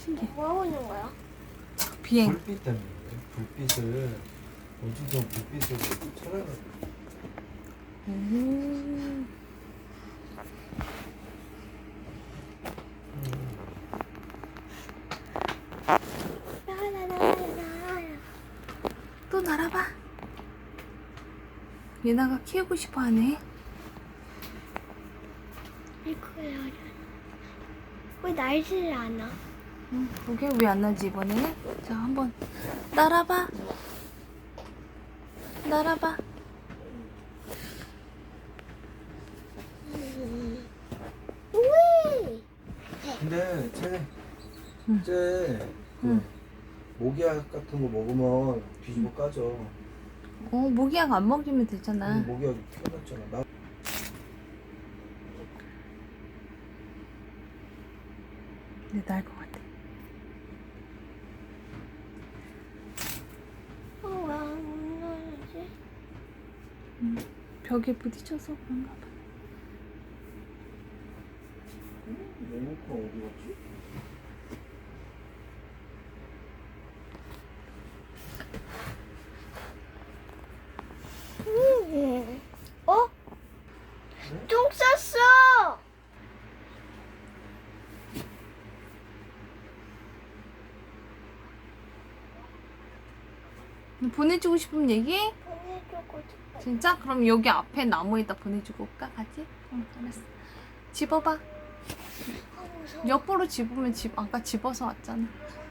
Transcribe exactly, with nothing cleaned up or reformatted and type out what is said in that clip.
신기해. 뭐 하고 있는 거야? 비행. 불빛 때문에 그래. 불빛을 어디서 불빛을 쫓아가는 음. 또 날아봐. 예나가 키우고 싶어 하네. 이거야. 왜 날지를 않아? 응, 그게 왜 안 나지 이번에? 자, 한번 날아봐. 날아봐. 우이! 근데 쟤, 응. 쟤 그 응. 모기약 같은 거 먹으면 뒤집어 까져. 어, 모기약 안 먹이면 되잖아. 근데 모기약이 피어났잖아. 나 근데 날 것 같아. 어, 왜안 나지? 응. 벽에 부딪혀서 그런가 봐. 레모컨 어디 갔지? 음. 어? 네? 똥 쌌어! 보내주고 싶으면 얘기해? 보내주고 싶어. 진짜? 그럼 여기 앞에 나무에다 보내주고 올까? 같이? 응, 알았어. 집어봐. 아, 무서워. 옆으로 집으면 집, 아까 집어서 왔잖아.